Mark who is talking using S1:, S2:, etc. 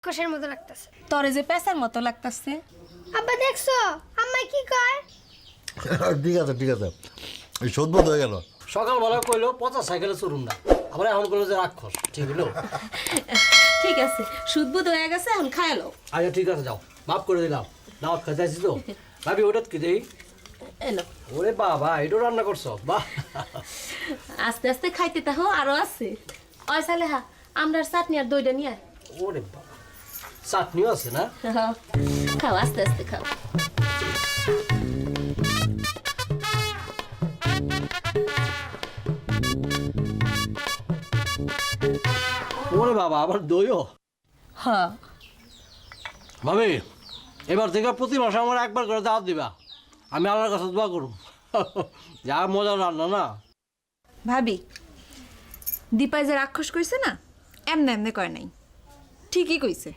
S1: কষের মতো লাগতেছে।
S2: তোরে যে পেঁচার মতো লাগতাছে।
S1: আব্বা দেখছো আম্মা কি কয়?
S3: ঠিক আছে ঠিক আছে, এই শোধবোধ হয়ে গেল।
S4: সকালবেলা কইলো 50 সাইকেলে চড়ুন না, আবার এখন কইলো যে রাক্ষস। ঠিক হলো?
S2: ঠিক আছে, সুদবুদ হয়ে গেছে, এখন খায়ালো।
S4: আচ্ছা ঠিক আছে, যাও, মাফ করে দিলাম। দাওয়াত খাইতে আসছি তো। ভাবি ওটা কি দেই?
S2: এলো,
S4: ওরে বাবা, এটাও রান্না করছো? বাহ।
S2: আস্তে আস্তে খাইতে তাহো, আরো আছে। ওই সালেহা, আমরা চাটনি আর দইটা নিয়ে আয়।
S4: ওরে বাবা, চাটনিও আছে না?
S2: খাও, আস্তে আস্তে খাও।
S4: ওরে বাবা, আবার দইও?
S2: হ্যাঁ,
S4: ভাবি, এবার থেকে প্রতি মাসে আমার একবার করে দাওয়াত দিবা। আমি আল্লাহর কাছে দোয়া করব। যা মজা রান্না না।
S5: ভাবি, দীপাই যে রাক্ষস কইছে না, এমনে এমনে কয় নাই, ঠিকই কইছে।